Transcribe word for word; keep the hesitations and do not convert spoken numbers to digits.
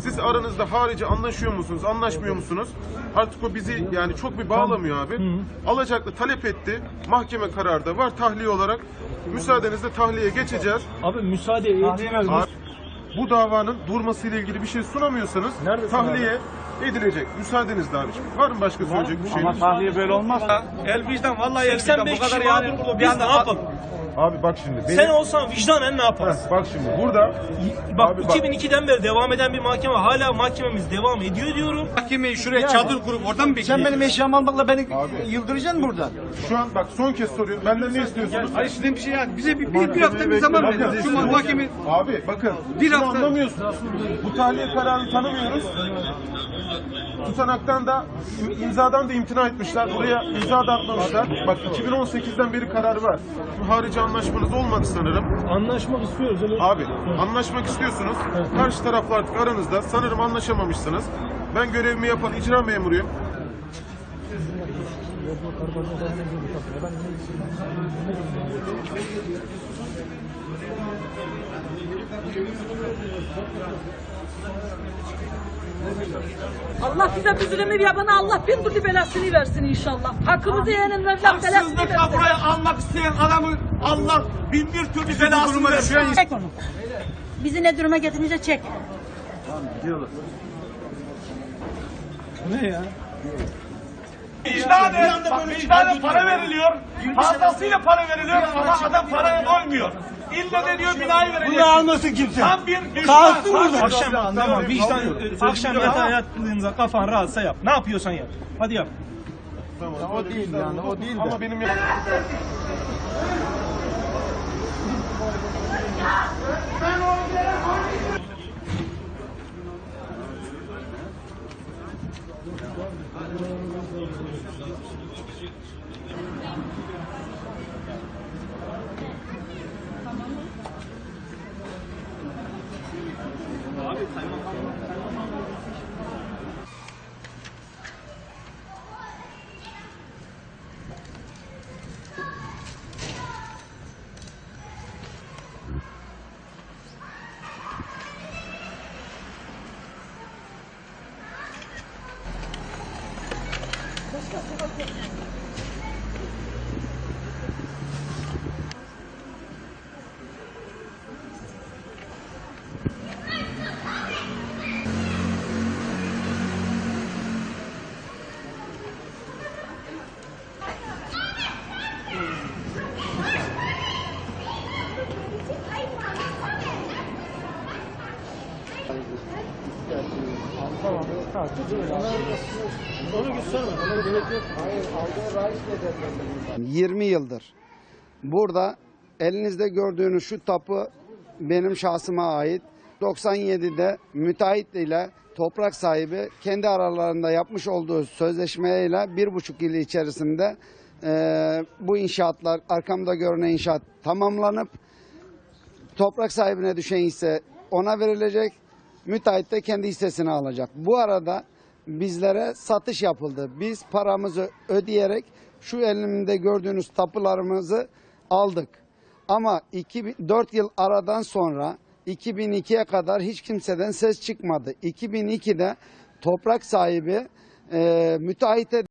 Siz aranızda harici anlaşıyor musunuz, anlaşmıyor musunuz? Artık o bizi yani çok bir bağlamıyor abi. Hı. Alacaklı talep etti. Mahkeme kararı da var tahliye olarak. Müsaadenizle tahliyeye geçeceğiz. Abi müsaade etmiyoruz. Bu davanın durmasıyla ilgili bir şey sunamıyorsanız Nerede tahliye edilecek. Müsaadenizle abiciğim. Var mı başka söyleyecek bir şey? Ama tahliye böyle olmaz. El vicdan vallahi el vicdan bu kadar yani. Biz ne yapalım? Abi bak şimdi. Benim... Sen olsan vicdanen ne yaparsın? Heh, bak şimdi burada. Bak abi iki bin ikiden beri devam eden bir mahkeme, hala mahkememiz devam ediyor diyorum. Mahkemeyi şuraya çadır kurup oradan mı bekleyeceğiz? Sen benim eşyamı almakla beni Abi. yıldıracaksın burada. Şu an bak son kez soruyorum. Benden ne istiyorsunuz? Hayır sizden bir şey yani. Bize bir, bir, bir hafta bir zaman verin. Şu mahkeme... Abi bakın. Bir şunu hafta- anlamıyorsunuz. Bu tahliye kararını tanımıyoruz. Tutanaktan da imzadan da imtina etmişler. Buraya imza da atmamışlar. Bak iki bin on sekizden beri karar var. Bu harici anlaşmanız olmadı sanırım. Anlaşmak istiyoruz. Öyle... Abi anlaşmak istiyorsunuz. Karşı tarafla artık aranızda sanırım anlaşamamışsınız. Ben görevimi yapan icra memuruyum. Allah bize bir zulümü yapana Allah bin türlü belasını versin inşallah. Hakkımızı yiyenin Mevlam belasını versin. Haksızlıkla buraya almak isteyen adamı Allah bin bir türlü belasını versin. Çek onu. Bizi ne duruma getirince çek. Ne ya? Vicdanen, bak vicdanen para veriliyor. Fazlasıyla para veriliyor ama adam paraya doymuyor. İlle de diyor binayı verecek. Bunu almasın kimse. Tam bir düşman. Kalsın burada. Akşam tamam vicdan akşam yatağa yattığınızda kafan rahatsa yap. Ne yapıyorsan yap. Hadi yap. Tamam, O değil yani, o değil de. Ama benim yirmi yıldır burada elinizde gördüğünüz şu tapu benim şahsıma ait. doksan yedide müteahhit ile toprak sahibi kendi aralarında yapmış olduğu sözleşmeyle bir buçuk yıl içerisinde e, bu inşaatlar, arkamda görünen inşaat tamamlanıp toprak sahibine düşen hisse ona verilecek. Müteahhit de kendi hissesini alacak. Bu arada bizlere satış yapıldı. Biz paramızı ödeyerek şu elimde gördüğünüz tapularımızı aldık. Ama dört yıl aradan sonra iki bin ikiye kadar hiç kimseden ses çıkmadı. iki bin ikide toprak sahibi e, müteahhite